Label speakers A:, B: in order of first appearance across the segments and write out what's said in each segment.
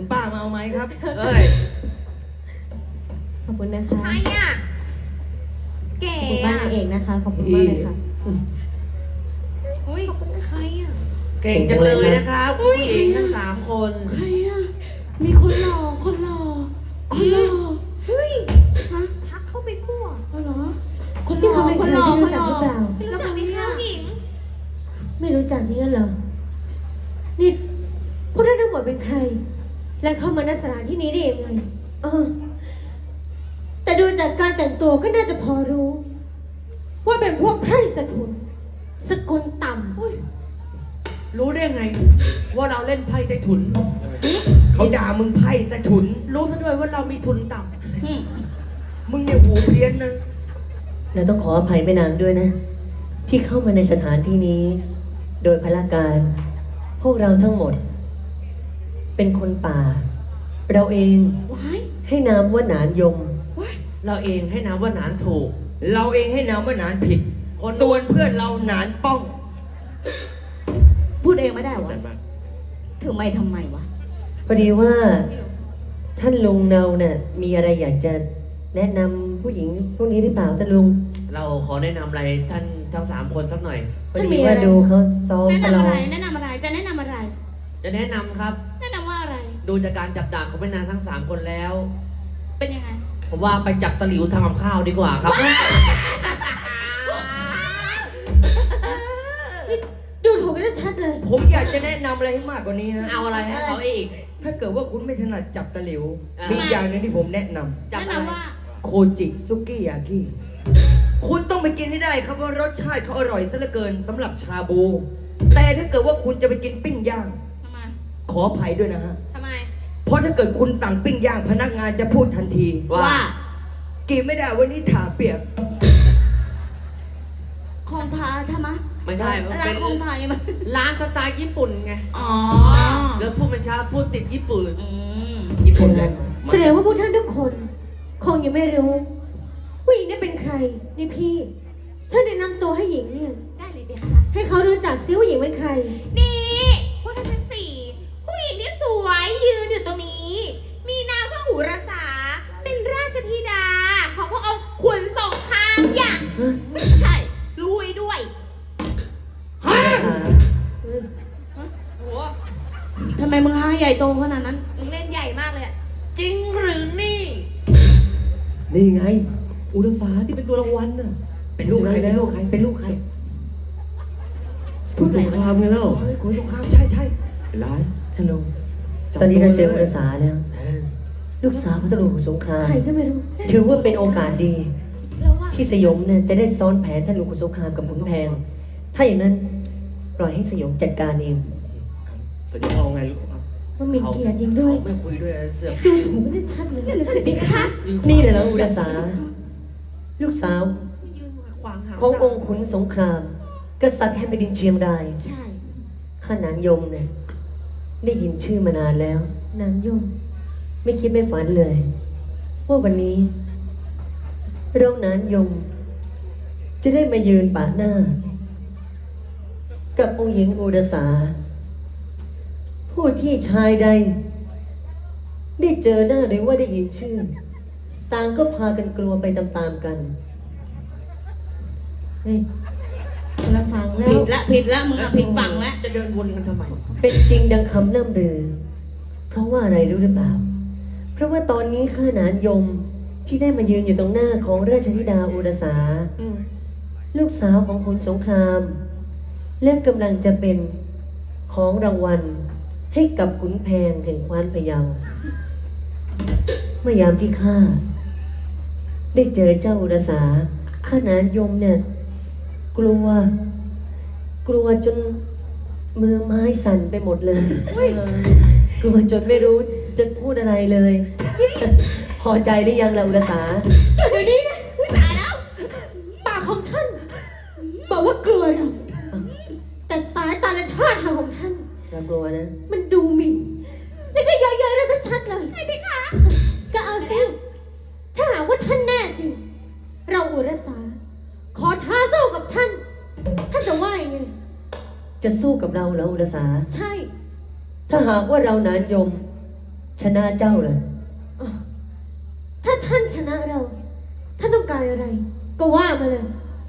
A: คุณป้ามาเอาไหมครับ
B: เอ้ย
C: ขอบคุณนะคะ
D: ใครอ่ะแก่
C: ขอบคุณบ้าน
D: อ่ะ
C: นางเอกนะคะ ขอบคุณมากเลยค่ะ
D: อุ้ยใครอ่ะ
B: เก่งจังเลยนะครับผู้หญิงทั้ง3 คน
E: ใครอ่ะ มีคนหล่อ คนหล่อ คนหล่อ
D: เฮ้ย
E: ฮะ
D: ทักเข้าไปทั่ว
E: เอาเหรอ คนห
C: นี่
E: ล่อ
C: เขาเป็น
E: ค
C: ใคร
E: นหล่อ
C: ที่
E: ค
C: รู้
E: น
C: จั
E: ห
C: ก
E: ล่อ
C: หรือเปล่า
D: ไม่รู้จักไหมคะผู้หญิง
C: ไม่รู้จักนี่กันเหรอ นี่พวกท่านทั้งหมดเป็นใคร และเข้ามาในสถานที่นี้ได้ยังไงแต่ดูจากการแต่งตัวก็น่าจะพอรู้ ว่าเป็นพวกไพร่สถุนสกุลต่ำ
B: รู้ได้ไง ว่าเราเล่นไพ่ใต้ถุน
A: เขาด่ามึงไพ่สะถุน
B: รู้ซะด้วยว่าเรามีทุนต่
A: มึงเนี่ยหูเพี้ยนนะ
F: เราต้องขออภัยแม่นางด้วยนะ ที่เข้ามาในสถานที่นี้ โดยพละการ พวกเราทั้งหมด เป็นคนป่า เราเอง
E: ว้าย
F: ให้นามว่าหนานยม
E: ว้าย
B: ำเราเองให้น้ำว่าหนานถูก
A: เราเองให้นามว่าหนานผิด ส่วนเพื่อนเราหนานป้อง
E: พูดเองไม่ได้วะถึงไม่ทำไมวะ
F: พอดีว่าท่านลุงเนาเนี่ยมีอะไรอยากจะแนะนำผู้หญิงพวกนี้หรือเปล่าท่านลุง
B: เราขอแนะนำอะไรท่านทั้ง3 คนสักหน่อย
F: พอดีว่าดูเขาซ้อม
E: แนะ
F: ประ
E: นำ
F: ลอ
E: อะไร
F: ง
E: แนะนำอะไร จะแนะนำอะไร
B: จะแนะนำครับ
E: แนะนำว่าอะไร
B: ดูจากการจับดาบของแม่นางทั้ง3 คนแล้ว
E: เป็นยังไง
B: ผมว่าไปจับตะหลิวทำกับข้าวดีกว่าครับ
C: ดูถูกกันชัดเลย
A: ผมอยากจะแนะนำอะไรให้มากกว่านี้ฮะ
B: เอาอะไรให้เขาอีก
A: ถ้าเกิดว่าคุณไม่ถนัดจับตะหลิว
B: อ่ามี
A: มีอย่างหนึงที่ผมแนะนำ
B: จับ
E: แนะ
B: อะไร
E: นำว่า
A: โคจิซุกิยากิคุณต้องไปกินให้ได้ครับว่ารสชาติเขาอร่อยซะเหลือเกินสำหรับชาบู แต่ถ้าเกิดว่าคุณจะไปกินปิ้งย่าง
E: ทำไม
A: ขออภัยด้วยนะฮะ
D: ทำไม
A: เพราะถ้าเกิดคุณสั่งปิ้งย่างพนักงานจะพูดทันที
B: ว่า
A: กินไม่ได้วันนี้ถาเปียก
E: คองทาทำไม
B: ไม่ใช่มัน
E: ร้า
B: เป็น น
E: คองทายังไง
B: ร้านสไตล์ญี่ปุ่นไง
E: อ๋อ
B: เดี๋ยวพูดไม่ช้าพูดติดญี่ปุ่น
E: อืม
A: ญี่ปุ่นแหละ
C: แสดงว่าพวกท่านทุกคน คงยังไม่รู้ว่าหญิงนี่เป็นใคร นี่พี่ฉันแนะนำตัวให้หญิงเนี่ย
D: ได้เลยเบียร์ค่ะ
C: ให้เขารู้จักซิว่าหญิงเป็นใคร
D: นี่พวกท่านทั้ง4ผู้หญิงที่สวยยืนอยู่ตรงนี้ มีนามว่าอุรสา เป็นราชธิดา ของพระองค์ขุนสงครามอย่างไม่ใช่รวยด้วย
F: อ่า
D: โอ้โห
E: ทำไมมึงห้าใหญ่โตขนาดนั้น
D: มึงเล่นใหญ่มากเลยอะ
B: จริงหรือนี่
F: นี่ไง อุลฟ้าที่เป็นตัวรางวัลน่ะ
A: เป็นลูกใครเป็นลูกใครเป็นลูกใคร
F: คุณสงครามไงเล่า
A: เฮ้ยคุณสงครามใช่ใช่
F: ร้ายท่านลุงตอนนี้เราเจออุลสาแล้ว ลูกสาวของท่านลุงของสงคราม
C: ใครก็ไม่รู้
F: ถือว่าเป็นโอกาสดี
D: แล้วว่า
F: ที่สยมเนี่ยจะได้ซ้อนแผนท่านลุงขุนสงครามกับขุนแพง ถ้าอย่างนั้น ปล่อยให้สยมจัดการเอง
G: สยองเอาไงลูกครับ
C: ว่ามีเกียรติยิงด้วย
B: เขาไม่คุยด้วยเสือก
C: ดูถูกไม่ได้ชัดเลย
D: นั่นน่ะสิเบียร์ค่ะ
F: นี่แหละนะอุลสา ลูกสาว
B: ยืนขวางหาง
F: ขององค์ขุนสงคราม กษัตริย์แห่งแผ่นดินเชียงราย
E: ใช่
F: ข้านานยมเนี่ยได้ยินชื่อมานานแล้ว
C: นางยม
F: ไม่คิดไม่ฝันเลย ว่าวันนี้ เรานานยม จะได้มายืนปะหน้า กับองค์หญิงอุรสา ผู้ที่ชายใด ได้เจอหน้าหรือว่าได้ยินชื่อ ต่างก็พากันกลัวไปตามๆกัน
C: เฮ้ยคนละฟังแล้
E: ผิ
C: ว
E: ดละผิดละมึงอะผิดฝั่งละ
B: จะเดินวนกันทำไม
F: เป็นจริงดังคำล่ำลือ เพราะว่าอะไรรู้หรือเปล่า เพราะว่าตอนนี้ข้าหนานยมที่ได้มายืนอยู่ตรงหน้าของราชธิดาอุรสา ลูกสาวของขุนสงคราม และกำลังจะเป็นของรางวัลให้กับขุนแพงแห่งคว้านพะเยาเมื่อยามที่ข้าได้เจอเจ้าอุรสาข้าหนานยมเนี่ย กลัวจนมือไม้สั่นไปหมดเลย กลัวจนไม่รู้จะพูดอะไรเลย พอใจหรือยังล่ะอุรสา
C: เดี๋ยวนี้นะตายแล้ว ปากของท่าน บอกว่ากลัวเราแต่สายตาและท่าทางของท่าน
F: เรากลัวนะ
C: มันดูหมิ่นแล้วก็เยอะๆแล้วชัดๆเลย ใช่ไหมคะ ก็เอาสิ ถ้าหากว่าท่านแน่จริง เราอุรสา ขอท้าสู้กับท่าน ท่านจะว่ายังไง
F: จะสู้กับเราเหรออุรสา
C: ใช่
F: ถ้าหากว่าเรานานยมชนะเจ้าเลย
C: อ๋อถ้าท่านชนะเรา ท่านต้องการอะไร ก็ว่ามาเลย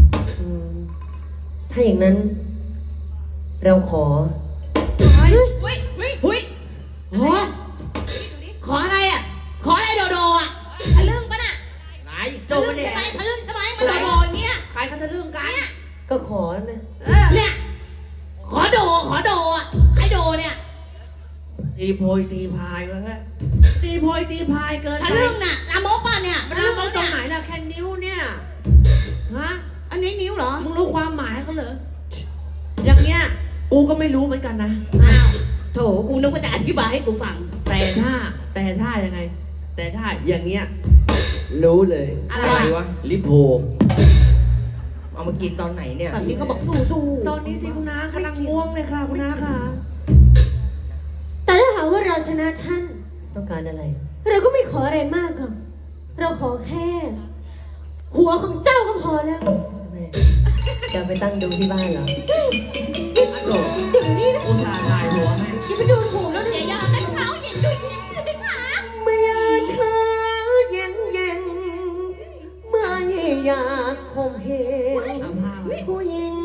F: ถ้าอย่างนั้น เราขอ
D: เฮ้ยเฮ้ยเฮ้ย
B: โอ้ขออะไรอ่ะ ขออะไรโดโดอ่ะ
D: ทะลึ่งปะน่ะ
B: ไหนโด
D: ทะลึ่ง
B: เนี่
D: ใช่
B: ย
D: ไหมทะลึ่งใช่ไหมมันโดโดอย่างเงี้ย
B: ใครเขาจะเรื่องกัน
F: ก็ขอนะ
B: เนี่ย ขอโดอ่ะใครโดเนี่ย ตีโพยตีพายวะเฮ้ยตีโพยตีพายเกิน
D: ทะลึ่งน่ะลามกป่ะเนี่ย
B: มัน
D: ทะ
B: เรื่
D: ลึ่
B: อง ง
D: แล้ว
B: ตร
D: เนี่ย
B: งไหนล่ะแค่นิ้วเนี่ย ฮะ
D: อันนี้นิ้วเหรอ
B: มึงรู้ความหมายเขาเหรอ อย่างเงี้ย กูก็ไม่รู้เหมือนกันนะ
D: อ้าวโถกูนึกว่าจะอธิบายให้กูฟัง
B: แต่ถ้ายังไง แต่ถ้าอย่างเงี้ย รู้เลย
D: อะไร
A: วะ
B: ลิโพ
A: เอามากินตอนไหนเนี่ย
D: แบบนี้เขาบอกสู้สู้
B: ตอนนี้สิคุณน้ากำลังง่วงเลยค่ะคุณน้าค่ะ
C: แต่ถ้าหากว่าเราชนะท่าน
F: ต้องการอะไร
C: เราก็ไม่ขออะไรมากหรอก เราขอแค่ หัวของเจ้าก็พอแล้ว
F: แม่จะไปตั้งดูที่บ้านเหรอ
C: อยู่นี่นะ
B: อุตส่าห์สายหัวให้
C: อย่าไปดูถูกแล้ว
D: อย่า
C: เนี่ย
D: อย่าให้เขาเห็นดูยิ้มเลยนะคะ
F: ไม่อยากเธอเย็นไม่อยากข่มเหง
B: เอาผ้ามา
F: ผู้หญิง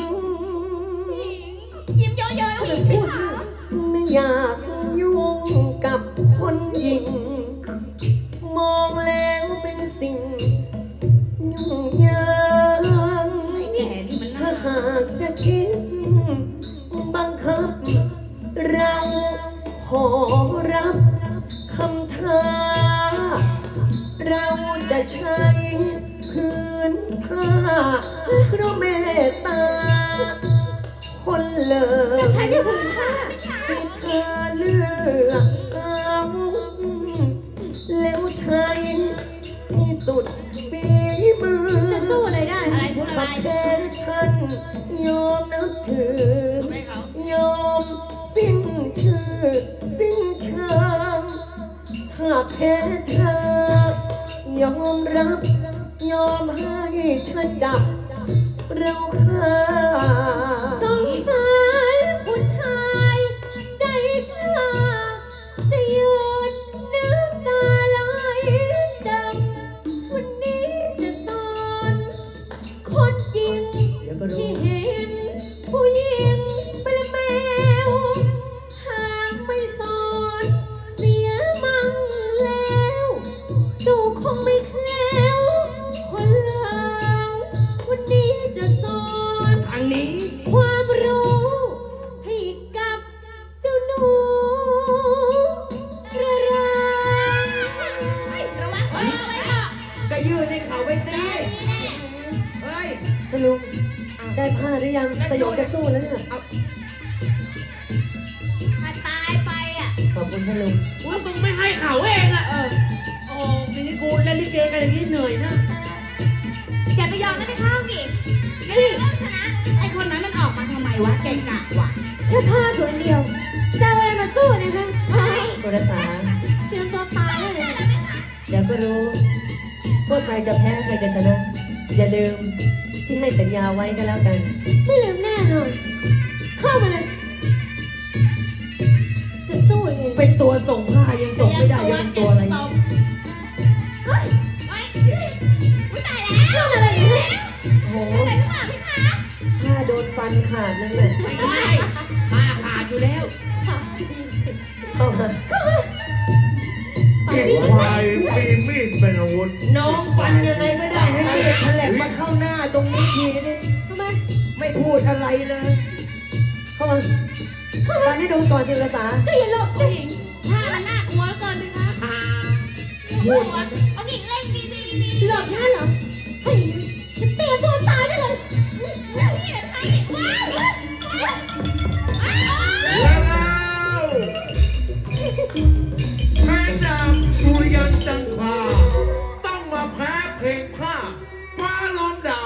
D: ยิ้มเยอะๆแล้วยิ้มพูด
F: ไม่อยากยุ่งกับคนหญิง มองแล้วเป็นสิ่งยุ่งยาก
D: ไอ้แก่นี่มัน
F: ถ้า
D: น่า
F: หากจะคิดบังคับ เราขอรับคำท้า เราจะใช้พื้นผ้าเพราะเมตตา คนเล
C: แต่
F: ย
C: ฉันอย่าผืนผ้า
F: ให้เธอเลือกอาวุธแล้วใช้ที่สุดฝีมือ
C: จะสู้อะไรได้
D: อะไรพูดอะไร
F: แพ้ท่านยอมนับถือยอมสิ้นชื่อสิ้นชามถ้าแพ้เธอยอมรับ ยอมให้เธอจับ เราฆ่า
C: สงสารผู้ชายใจกล้า จะยืนน้ำตาไหลดำวันนี้จะสอนคนจริง
F: เดี๋ยวก็รู้
C: ที่เห็นผู้หญิงเป็นแมว หากไม่สอนเสียมั่งแล้วจูคงไม่แคล้วคนเลววันนี้จะสอน
A: ทางนี้
C: ความรู้ให้กับเจ้าหนูกระไร
D: ระวังไว้ก่อน
A: ก็ยืนให้เขาไว้สิเฮ้ย
F: ท่านลุงได้ผ้าหรือยังสยองจะสู้แล้วเนี่ย
D: ถ้าตายไปอ่ะ
F: ขอบคุณท่านลุง
B: อุ้ยมึงไม่ให้เขาเองอะโอ้นี่กูเล่นลิเกกันอย่างนี้เหนื่อยนะ
D: อย่าไปยอมนะไปข้าวอีกนี่เริ่มชนะ ไอ้คนนั้นมันออกมาทำไมวะ เก่งกะวะ
C: แค่ผ้าผืนเดียวจะเอาอะไรมาสู้นะคะ
F: โทรสา
C: เตรียมตัวตายได้เลย
F: เดี๋ยวก็รู้ว่าใครจะแพ้ใครจะชนะ อย่าลืมที่ให้สัญญาไว้ก็แล้วกัน
C: ไม่ลืมแน่นอนเข้ามาเลย จะสู้ยังไง
A: เป็นตัวส่งผ้ายังส่งไม่ได้ยังเป็นตัวอะไร
D: เฮ้ยอุ๊ยตายแล้ว
C: เรื่องอะไรเนี่ย
F: โอ้โห
D: อะไรหรือเปล่าพี่คะ
F: ผ้าโดนฟันขาดนั่นแหละ
B: ไม่ใช่ผ้าขาดอยู่แล้ว
F: เข้ามา
C: ปากดี
H: ควายมีมีดเป็นอาวุธ
A: น้องฟันยังไงก็ได้ให้เลือดฉลับมาเข้าหน้าตรงนี้ทีนี้
C: ทำไม
A: ไม่พูดอะไรเลย
F: เข้ามาฟันให้ดูก่อนสิโทรสา
C: ก็อย่าหลบสิ
D: ถ้ามันน่ากลัวเหลือเกินพี่คะ
F: พูด
D: เอาหญิงเล่นดีดีดี
C: หลบงั้นเหรอให้เตรียมตัวตายได้เลย
D: นี่แหละใครเนี่ยว้าวว้าว
H: แล้วแพ้ดาบสุริยันจันทราต้องมาแพ้เพลงผ้าฟ้าล้อมดาว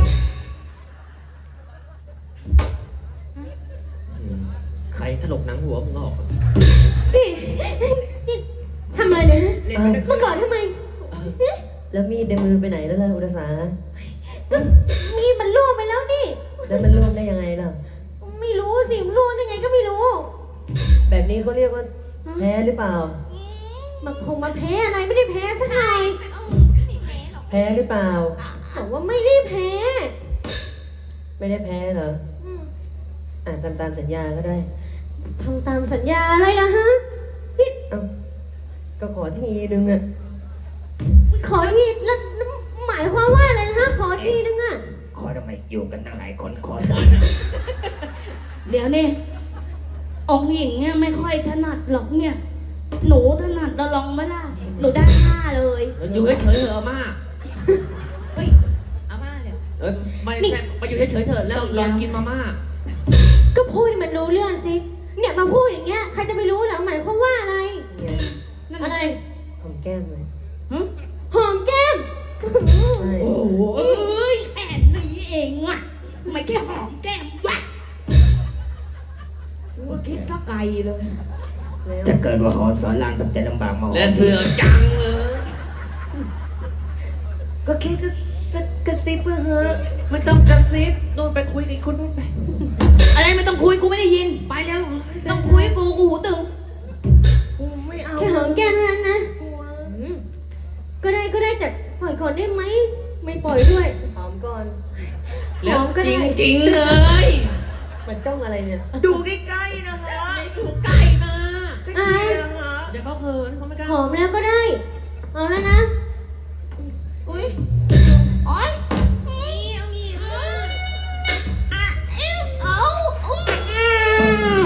B: ใครถลกหนังหัวมึงออก
C: นี่นี่ทำอะไรเนี่ยฮะ
A: เล่นไม่ได้
C: เมื่อก่อนทำไมเนี่ย
F: แล้วมีดในมือไปไหนแล้วล่ะอุตสา
C: ก็มีดมันล่วงไปแล้วนี่
F: แล้วมันร่วงได้ยังไงล่ะ
C: ไม่รู้สิมันล่วงได้ไงก็ไม่รู้
F: แบบนี้เขาเรียกว่าแพ้หรือเปล่า
C: มาพงมาแพ้อะไรไม่ได้แพ้สักหน่อย
D: ไม่แพ้หรอก
F: แพ้หรือเปล่า
C: บอกว่าไม่ได้แพ้
F: ไม่ได้แพ้เหรอ
C: อืม
F: ทำตามสัญญาก็ได้
C: ทำตามสัญญาอะไรล่ะฮะพี่
F: เอ้า ก็ขอทีนึงอะ
C: ขอทีแล้วหมายความว่าอะไรนะฮะขอทีนึงอะ
A: ขอทำไมอยู่กันตั้งหลายคนขอสัก
B: เดี๋ยวนี่องค์หญิงเนี่ยไม่ค่อยถนัดหรอกเนี่ย หนูถนัดเราลองไหมล่ะ หนูได้ท่าเลย
E: อยู่เฉยๆเถอะอาม่า
D: เฮ้ยอาม่าเนี่ย
E: ไม่ใช่มาอยู่เฉยๆเถอะแล้วลองกินมาม่า
C: ก็พูดให้มันรู้เรื่องสิเนี่ยมาพูดอย่างเงี้ยใครจะไปรู้เหรอหมายความว่าอะไร
F: เนี่ย
C: อะไร
F: หอมแก้มเลย
C: หอมแก้ม
F: ใช่
B: โอ้โหเอ้ยแอนนี้เองอะไม่แค่หอมแก้มวะว่าคิดถ้าไกลเลย
F: แล้ว
A: จะเกิดว่าหอนสอนรามทำใจลำบากมา
E: และเสือกจังเลย
A: ก็แค่กระซิบเถอะ
E: ไม่ต้องกระซิบโน่นไปคุยกับคนนู้นไป
B: อะไรไม่ต้องคุยกูไม่ได้ยิน
E: ไปแล้ว
B: ต้องคุยกูหูตึง
A: ไม่เอา
C: แค่หอมแก้มเท่านั้นนะอืมก็ได้แต่ปล่อยก่อนได้ไหมไม่ปล่อยด้วย
F: หอมก่อน
E: แล้ว
C: หอมก็
E: จ
C: ได้
E: ริงๆเลย
F: มันจ้องอะไรเนี่ย
A: ดูใกล้ๆนะฮะ
E: ไม่ถูกใกล้นะ
A: ก็เชียร์นะฮะ
E: เดี๋ยวเขาเขินเขาไม่กล้า
C: หอมแล้วก็ได้ เอาแล้วนะ
B: อุ้ยโอ๊ย
D: นี่เอางี้อ่ะเอ้าเอาอุ้ม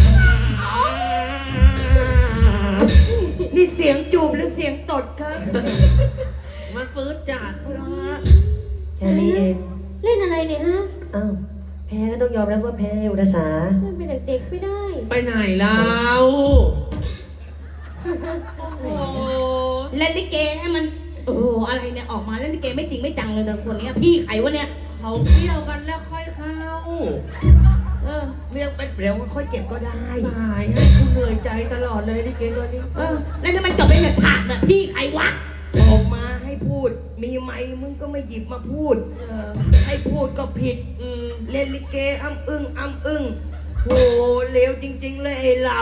A: นี่เสียงจูบหรือเสียงตดครับ
E: มันฟื้นจัด
F: แค่นี้เอง
C: เล่นอะไรเนี่ยฮะ
F: อ้าว แพ้ก็ต้องยอมรับว่าแพ้อุตสา
C: เล่นเป็นเด็กๆไม่ได้
E: ไปไหนแล้ว
B: โอ้โหเล่นลิเกให้มันโอ้โหอะไรเนี่ยออกมาเล่นลิเกไม่จริงไม่จังเลยแต่คนเนี้ยพี่ใครวะเนี่ย
E: เขาเที่ยวกันแล้วค่อยเข้า
B: เออ
A: เรื่องเป็นเร็วค่อยเก็บก็ได้
E: ตายให้กูเหนื่อยใจตลอดเลยลิเกตัวนี้
B: เออแล้วถ้ามันจบไปแบบฉากน่ะพี่ใครวะ
A: ออกมาให้พูด มีไมค์มึงก็ไม่หยิบมาพูด ให้พูดก็ผิด เล่นลิเกอ้ำอึ้งโหเลวจริง ๆ เลยไอ้เรา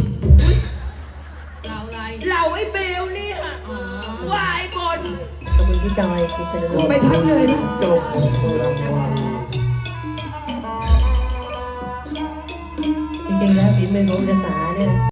E: เราอะไร
A: เราไอ้เบลเนี่ยวายบน
F: ขอบคุณพี่จอยคุณเซนโน
A: ไปพักเลยนะ
H: จบรางวัล
F: จริงๆแล้วฝีมือของอุตสาเนี่ย